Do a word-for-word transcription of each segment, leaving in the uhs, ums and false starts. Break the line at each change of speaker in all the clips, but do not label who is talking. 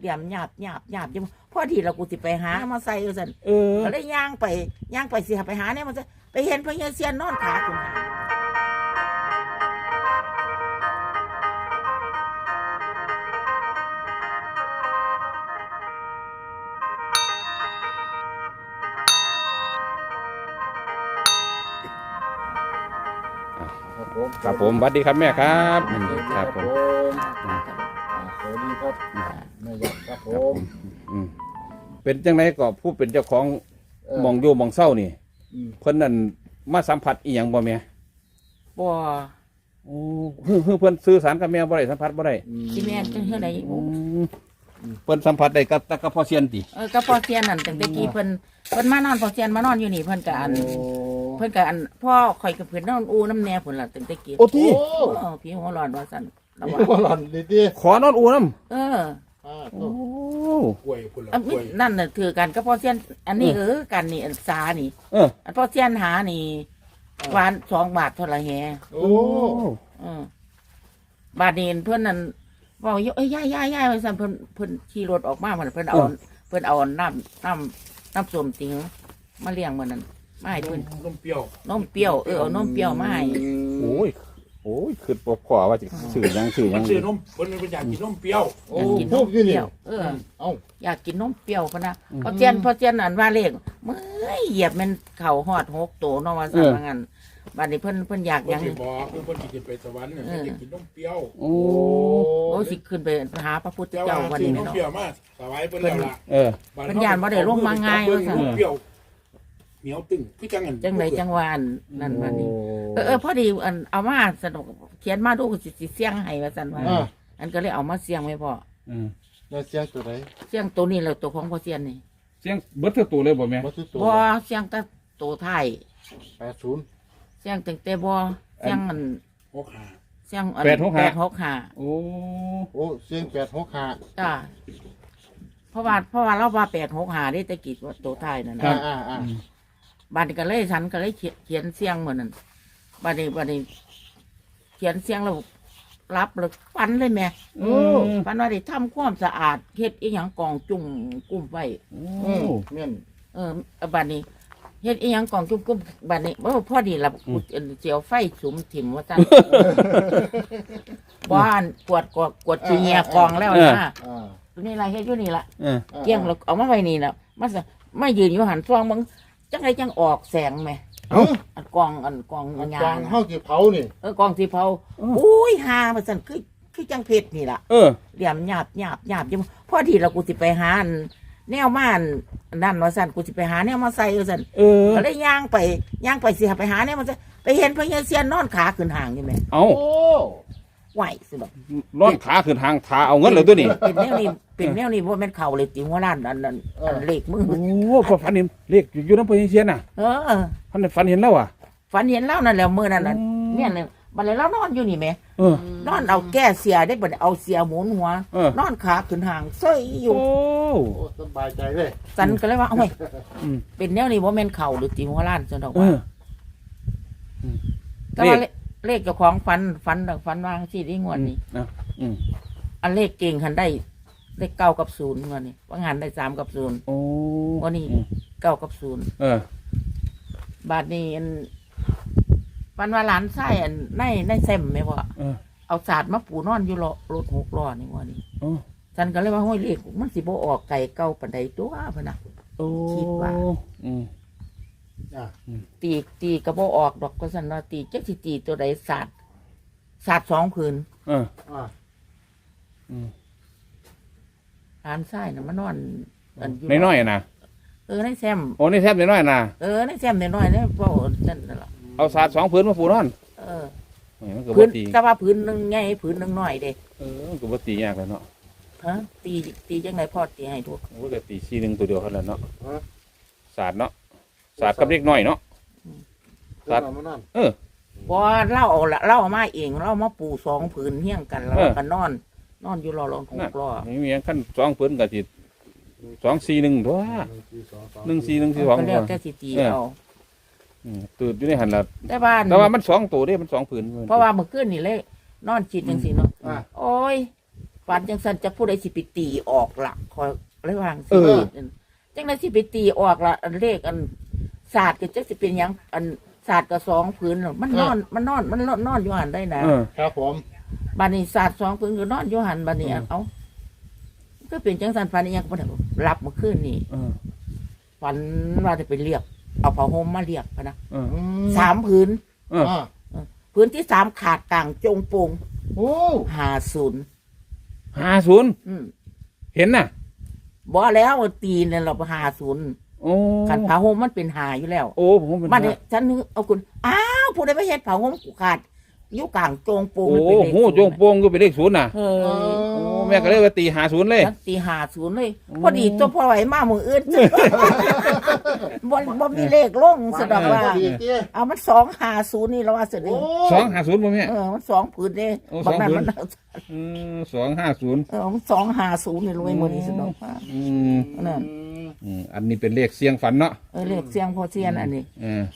ลี่ยมหยาบหยาบหยาบจังพอดีเรากูสิไปหามาใส่เอาซั่น
เออ
ก็เลยย่างไปย่างไปสิไปหาเนี่ยมันจะไปเห็นพญาเซียนนอนขาขึ้นหา
ครับผม
ครับผมสวัสดีครับแม่ครับอืมครับผม
สวัสดีครับแม่ยักษ์ครับผ
ครับผม
ม
อืมเป็นจังไดก็ผู้เป็นเจ้าของหมองอยู่หมองเศร้านี่
อืม
เพิ่นนั่นมาสัมผัสอีหยังบ่แม่
บ่
โอ้เฮ้อเพิ่นสื่อสารกับแม่บ่ได้สัมผัสบ่ได้
ที่แม่นจังเฮ็ดได้
อืมเพิ่นสัมผัสได้กับตะกับพ่อเซียนติ
เออก็พอเซียนนั่นตั้งแต่กี้เพิ่นเพิ่นมานอนพอเซียนมานอนอยู่นี่เพิ่นก็อัน
โอ้
เพิ่นก็อันพ่อข่อยกับเพิ่นนอนอูน้ำแน่พุ่นล่ะตั้งแต่กี้
โอ้ที่
โอ้
เออพี่หัวร้อนว่าซั่นแล้วว่า
ว่าหล่อนดีดี
ขอนอนอูน้ำ
เออ
อ่า
โอ้
กล้วยพุ่นละ
อัน
กล้
นี้
วย
นั่นน่ะถือกันก็พอเซียนอันนี้เออกันนี่อันสานี่
เออ
อันพอเซียนหานี่หวานสองบาทเท่าไหร่แฮ
โอ้
เออบาดนี้เพิ่นนั่นบอกอยู่เอ้ยย่ายย่ายย่ายว่าซั่นเพิ่นเพิ่นขี่รถออกมาเพิ่นเพิ่นเอาเพิ่นเอาน้ำน้ำน้ำส้มติงมาเลี้ยงมื้อนั้นมาให้เพิ่น
นมเปรี้ยวน
มเปรี้ยวเออเอานมเปรี้ยวมาให้
โอ้ยโอ้ยคือบ่พอว่าสิสื่อหยังสื่อห
มั
ยั
น
ง
ซื้อนมมันเป็นอยากกินนมเปรี้ยว
โอ้
อยากกินน
พู
ม
ด
เป
อยู่นี่
รี้ยวเออ
เอ้า
อยากกินนมเปรี้ยวพะนะพอเจียนพอเจียนอันว่าเลขเมื่อยเหยียบมันเข่าหอดหกโตเนาะว่าซั่นว่างั้นบัดนี้เพิ่นเพิ่นอยากห
เพิ่
ยั
น
ง
สิบอกคือเพิ่นสิขึ้นไปสวรรค์เนี่ยเพิ่นจะกินนมเปรี้ยว
โอ้
โอ้สิขึ้นไปหาพระพุทธ
แต่
เจ้า
ว่า
วัน
ซื้อ
นี้
นม
เนาะ
เปรี้ยวมาสบายเพิ่นแล้วล่ะ
เออ
เพิ่นย่านบ่ได้ลงมาง่ายว่าซั่น
นมเปรี้ยวเหนียวตึงคือจังอัน
จังไดจังว่าอันนั่นว่านี่เออเออพอดีอันเอามาสนุกเขียนมาดูสิสิเสียงให้ว่าซั่นว่า
อ่า
อันก็เลยเอามาเสียงไว้พอ
อืม
แล้วเสียงตัวไหน
เสียงตัวนี้แหละตัวของพ่อเสียนนี่
เสียงเบิดเท่าตัวเลยบ่แม่
วัตถุตัว
บ่เสียงแต่ตัวไทาย
แปดศูนย์
เสียงตั้งแต่บ่เสียงอัน
หกห้า
เสียงอัน
แปดหกห้า
แปดหกห้า
โอ้
โอ้เสียงแปดหกห้า
จ้าเพราะว่าเพราะว่าเราว่าแปดหกหาได้แตะกี้ว่าตัวไทายนั่น
อ่า
นะ
อ่าอ่า
บัดนี้ก็เลยฉันก็เลยเขียนเขียนเสียงเหมือนนั้นบัดนี้บัดนี้เขียนเสียงแล้วรับเลยฟันเลยแม่
โอ้
ฟันว่าได้ทำความสะอาดเฮ็ดอีหยังกองจุ่มกุ้มไว้
อืมเม่น
เออบัดนี้เฮ็ดอีหยังกองจุ่มกุ้มบัดนี้บ่พอดีละเสียวไฟสุมถิ่มว่าซั่นบ้านกวดกวดกวดขี้เหียกองแล้วนะ
อ่า
ตัวนี้อะไรเฮ็ดอยู่นี่ล่ะ
เออ
อ่า
เกี่ยงเราเอามาไว้นี่นะมันจะไม่ยืนอยู่หันฟองมึงจังไรจังออกแสงไหม
เอ้า
อันกองอันกอง
อัน
ยาก
ลาง
ง
เฮาสิเผานี่
เออกองสีเผาอุ้ยหามาสั่นคือคือจังเพชรนี่ล่ะ
เออ
เหลี่ยมหยาบหยาบหยาบจังพอดีเรากูสิไปหาอันแนวม่านนั่นว่าสั่นกูสิไปหาแนวมาใส่ว่าสั่น
เออ
ก็เลยย่างไปย่างไปสิไปหาแนวมันจะไปเห็นพญาเซียนนอนขาขึ้นห่างนี่แหม
เอา
โอ้
ไหวสิบอก
นอนขาขึ้นทางขาเอาเงินเลยตัวนี้
เป็นแนวนี้เป็นแนวนี้ว่าแม่นเข่าเลยติหัวล้านอันนั้นอันเล็กมือ
โอ้พอฝันเห็นเลขอยู่น้ำพญาเซียนน่ะ
เออ
พันฝันเห็นแล้วอ่ะ
ฝันเห็นเล่านั่นแหละมือนั่นน่ะ
อืม
เนี่ยเลยบัดเลยเล่านอนอยู่นี่แหม่
เออ
นอนเอาแก้เสียได้บัดเอาเสียหมุนหัว
เออน
อนขาขึ้นห่างเซ้ยอยู่
โอ้
โอ้สบายใจเลย
สันก็เลยว่าเอ้ย
อืม
เป็นแนวนี้ว่าแม่นเข่าหรือตีหัวล้านจังดอก
เอ
ว่า
อ
แต่ว่า
เล
เล
ข
เลขเจ้าของฟันฟันดอกฟันวางสิได้งวดนี้
อ่ะอืม
อันเลขเก่งหันได้เลขเก้ากับศูนย์งวดนี้ว่างานได้สามกับศูนย์
โอ้
วันนี้เก้ากับศูนย์
เออบ
าทนี้อันฟันว่าหลานไส้อันในในเซมไหมว่า
เออ
เอาศาสตร์มาปูนอนอยู่รอรถหกล้อนี่งวดนี้
โอ้
ฉันก็เลยว่าห้อยเลขมันสิบ่ออกไก่เก่าปันใดตัวพะนะ
โอ้
คิดว่า
อืม
อ่า
ตีตีกระโบออกดอกก็สันว่าตีจักสิตีตัวใดศาสตร์ศาสตร์สองผืน
เออ
อ่า
อืม
ร้านไส้น่ะมานอนอัน
น้อยๆนะ
เออในแซม
โอ้นี่แทบน้อยๆนะ
เออในแซมน้อยๆเนี่ยเว่านั่นนั่นล่ะ
เอาศาสตร์สองผืนมาปูนอน
เออ
แหมมันก็
ผื
บ่
น
ตี
แต่ว่าผืนหนึ่งใหญ่ผืนหนึ่งน้อยเด้
เออมันก็บ่ตียากแล้วเนาะ
ฮะตีตีจังไงพ่อตีให้ทุก
โอ้ก็ตีสี่หนึ่งตัวเดียวเท่านั้นเนาะ
ฮะ
ศาสตร์เนาะศาสตร์กับเล็กน้อยเนาะ
เดี๋ยวเอามานั่น
เออ
พอเล่าเอาละเล่าเอามาเองเล่ามาปูสองผืนเฮี้ยงกันแล้ว
เออ
ก็นอน นอนอยู่รอรอนห
นั่น
กล้อ
ไม่มีหยังขั้นสองผืนก็สิสองสี่หนึ่งตัว
หนึ่งสี่สองสาม
หนึ่งสี่หนึ่งสี่สอง
ก็
ตั
แล้ว
ว
แต่สิตี
เออ
เอา
อืมตื่นอยู่ในหันละ
แต่บ้าน
แต่ว่ามันสองตัวเด้มันสองผืน
เพราะว่าเมื่อคืนนี่เลยนอนจิตจังสิเนาะ
อ่า
โอ้ยฝันจังซั่นจะผู้ใดสิไปตีออกล่ะคอยระวัง
เอ
สิ
อ
จังได๋สิไปตีออกล่ะอันเลขอันศาสตร์ก็จักสิเป็นหยังอันศาสตร์ก็สองพื้นน่ะมันนอนมันนอนมันนอนนอนอยู่หันได้นะ
เออ
ครับผม
บัดนี้ศาสตร์สองพื้นก็นอนอยู่หันบัดนี้เอ้าก็เป็นจังซั่นฝันอีหยังก็บ่ได้รับเมื่อคืนนี่
เออ
ฝันว่าจะไปเรียกเอาผ้าห่มมาเรียกพะนะ
เออ
สามพื้น
เออ
อ่า
พื้นที่สามขาดกลางจงโปง
โอ้
หาศูนย์
ห้าศูนย์
อืม
เห็นน่ะ
บ่แล้วตีเนี่ยเราหาศูนย์
โอ้
ขันผ้าห่มมันเป็นหาอยู่แล้ว
โอ้ผมเป็น
มันเนี่ยฉันนึกเอาคุณอ้าวผู้ใดไปเฮ็ดผ้าห่มกูขาดอยู่กลางโจงโปง
โอ้
มันเป็นเลข
โหจงโปงก็เป็นเลขศูนย์น่ะ
เฮ้ย
โอ้แม่ก็เลยว่าตีหาศูนย์เลย
ฉันตีหาศูนย์เลยพอดีตัวพ่อไหวมามืออื่น บ่บ่มีเลขลงสะดอกว่า
ดีเตี้ย
เอามันสองหาศูนย์นี่เราว่าเสร็จ
โอ้
สองหาศูนย์ป่ะแม่
เออมันสองผืนเด้
โอ้
บางนั้น
สองผืน
มัน
อืมสองห้าศูนย์
เออมันสองหาศูนย์นี่รวยหมดนี่สะดอกว่า
อืม
นั่น
อืมอันนี้เป็นเลขเสียงฝันเนาะ
เออเลขเสียงพอเสียนอันนี้
เออ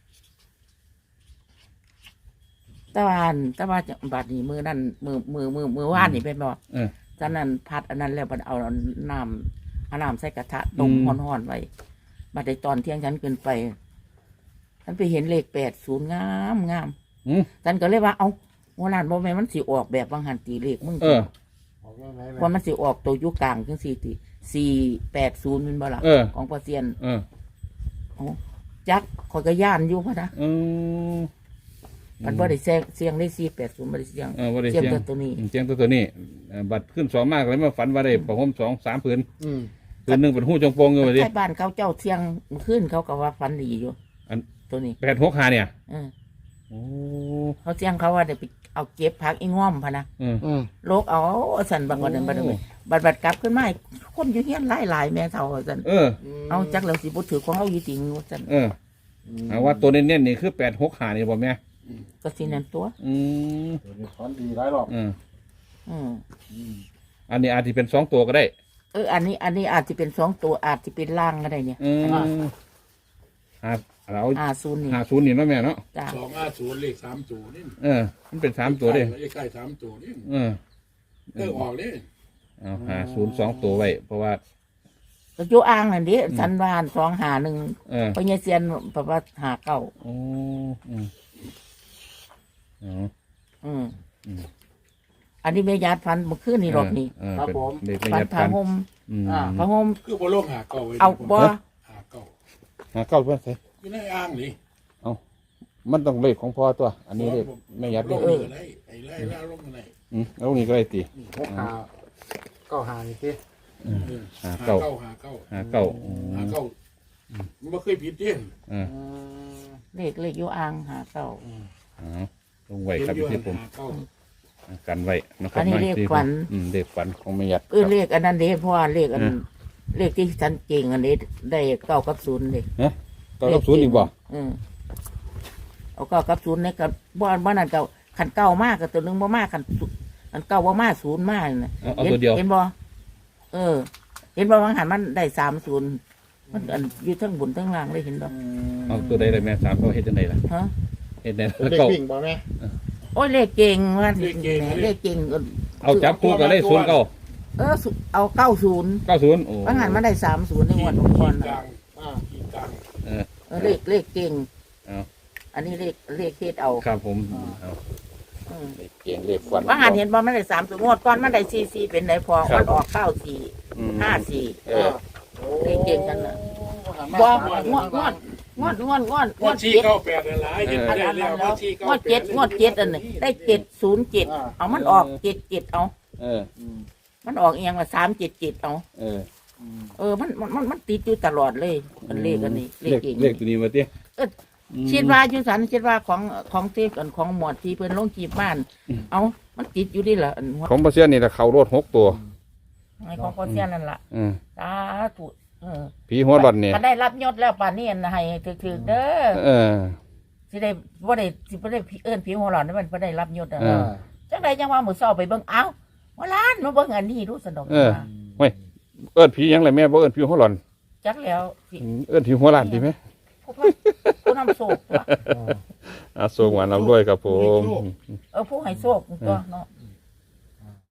ตะวันตะวันจะบัดนี้มือนั่นมือมือมือมือว่านนี่เป็นบ่
เออ
ตอนนั้นพัดอันนั้นแล้วมันเอาน้ำเอาน้ำใส่กระทะต้ม
อืม
ห่อนๆไว้บัดในตอนเที่ยงฉันเกินไปฉันไปเห็นเลขแปดศูนย์งามงาม
อืม
ฉันก็เลยว่าเอาวันนั้นบ่แม่นมันสิออกแบบบางหันตีเลขมึง
เออ
ออกยังไงแม่
ว่ามันสิออกตัวอยุกลางจังสี่ตีสี่แปดศูนย์เป็นบ่ล่ะ
เออ
ของพอเซียน
เออ
โอ้จักขอยก็ย่านอยู่พะนะ
อืม
มันบ่ได้เสียงเสียงได้สี่แปดศูนย์บ่ได้เสียง
เออบ่ได้
เสียง
เสียง
ตัวตัวนี้
เสียงตัวตัวนี้เอ่อบัตรขึ้นสองมากเลยมาฝันว่าได้ประหมสองสามผืน
อืม
ผืนหนึ่งเป็นหู้จงโปงอยู่ว่าดิ
ใช่บ้านเขาเจ้าเสียงขึ้นเขาก็ว่าฟันดีอยู่
อัน
ตัวนี้
แปดหกหาเนี่ย
เออ
โอ้
เขาเสียงเขาว่าเดี๋ยวไปเอาเก็บพักอีง่อมพะนะ
เออ
อืม
โลกเอาสันบางวันนั้นบัดนั้นบัดบัดกลับขึ้นมาคนอยู่เฮียนหลายหลายๆแม่เท่าสัน
เออ
เอาจักแล้วสิบ่ถือของเอาอยู่จริงสัน
เออเอาว่าตัวเน้นๆนี่คือแปดหกหานี่บ่แม่
ก็สินั่นตัว
อืม
ตัวนี้ฝันดีหลายรอบ
เออ
อืม
อืม
อันนี้อาจจะเป็นสองตัวก็ได้
เอออันนี้อันนี้อาจจะเป็นสองตัวอาจจะเป็นล่างก็ได้เนี่ย
อืมหาเรา
อ่าศูนย์นี่
หาศูนย์นี่เนาะแม่เนาะ
จ้า
สองห้าศูนย์เลขสามตัวนี่
เออ มันเป็นสามตัวเด้
เลขใกล้สามตัวนี่
เออ
เออออกเลย
เอาหาศูนย์สองตัวไว้ เพราะว่า
ก็อยู่อ่างนั่นดิสันวานสองหาหนึ่ง
เออ
พญเซียนแบบว่าหาเก้า
โอ้อืมอ๋อ
อืม
อืม
อันนี้แม่ยาดฟันเมื่อคืนนี่รอบนี้
เออเป็นเด็กประ
ฟั
ห
น
ยัด
ผ้า
ฟัน
ห่ม
อืม
ผ้าห่ม
คือบ่ลงหาเก่าไว้
เอาบ่
หาเก่า
หาเก้าเพื่อนใส่
อยู่ในอ่างนี่
มันต้องเลขของพ่อตัว อันนี้เลขไม่ยัด
ล
เล
ง
ข
นี่ก็ได้ไอ้ไล่ล่าลงอะไร
อืมแล้วนี่ก็ได้ตี
หกหาเก้าหานี่เตี้ย
หาเก้า
หาเก้า
หาเก้าอืม
หาเก้ามันบ่เคยผิดเด้
เออ
อืม
เลขเลขอยู่อ่างหาเก้า
อ๋อลงไว้ครับที่ผม
หาเก้า
กันไว้นะครับ
อันนี้เลข
ที่ผม
ฝัน
อืมเลขฝันของไม่ยัด
เออเลขอันนั้นเด้เพราะว่าเลขอัน
อืม
เลขที่ฉันเก่งอันนี้ได้เก้ากับศูนย์เลย
เก้ากับศูนย์อีกบ่
เออเอาเก้ากับศูนย์เนี่ยกับบ้านบ้านนั้นเก้าขันเก้ามากกับตัวหนึงบ่มากขันศูนย์ขันเก้าบ่มากศูนย์มากนะ
เอาเอาตัวเดียว
เห็นบ่เออ เห็นบ่บางหันมันได้สามศูนย์มันอันอยู่ทั้งบนทั้งล่างเลยเห็นบ่
เอาตัวใดเลยแม่สามเขาเฮ็ดจังไดล่ะ
ฮะ
เฮ็ดได้
เป็นเด็ก
เก้า
วิ่งบ่แม่
โอ้ยเลขเก่งว่าเลขเก่งเออ
เอาจับคู่กันได้ศูนย์เก้า
เออสุเอาเก้าศูนย์
เก้าศูนย์โอ้
บางหันมันได้สามศูนย์ในงวดก่อน
กลา
น่ะ
ง
อ่า
ขีดกลาง
เออ
เออเลขเลขเก่ง
เอา
อันนี้เลขเลขเฮ็ดเอา
ครับผมเอา
อืม
เลขเก่งเลขฝัน
บางหันเห็นบ่มันได้สามศูนย์งวดก่อนมันได้สี่สี่เป็นไหนพอ
ครับ
มันออกเก้าสี่
อืม
ห้าสี่
เออ
เลขเก่งกันน่ะ
บ่
บ่งวดงวดงวดงวดงวดง
ง
ว
ว
ด
ดที่
เจ็ด
เก้าแปดอะไรเห็น
อัน
ได้
นั้น
แล้ว
แล้ว
งวดที่เก้าง
วดเจ็ดงวดเจ็ดอันนี้ได้เจ็ดศูนย์เจ็ดเอามันออกเจ็ดเจ็ดเอา
เออ
มันออกเอียงละสามเจ็ดเจ็ดเอา
เออ
เออมันมันมันมันติดอยู่ตลอดเลยมันเลขอันนี้เล
เล
ข
ข
เก่ง
เลขตัวนี้มาเตี้ย
เออ คิดว่าอยู่สันคิดว่าของของเทพกันของหมวดที่เพิ่นลงจีบบ้าน เอามันติดอยู่ดิล่ะอันหัว
ของปลาเซียนนี่ละเขารถหกตัว
ไอ้ของพ่อเสียนั่นล่ะ
อืม
สาธุเออ
ผีหัวหลอนเนี่ย
ก็ได้รับยศแล้วป่านนี้นะให้ถึกๆเด้อ
เออ
สิได้บ่ได้สิบ่ได้เอิ้นผีหัวหลอนนั่นมันบ่ได้รับยศอ่ะ
เออ
จังไดจังว่ามื้อเช้าไปเบิ่งเอ้าว่าล้านมาเบิ่งอันนี้รู้สนุก
เออ เอิ้นผีหยังไรแม่บ่เอิ้นผีหัวหลอน
จักแล้วสิ
อืมเอิ้นผีหัวหลานดีไหม
ผู้ผู้ผู้นำโชคว่ะ
อ่ะส่งหวานลำด้วยครับผม
เออผู้ให้โชคตัวเนาะ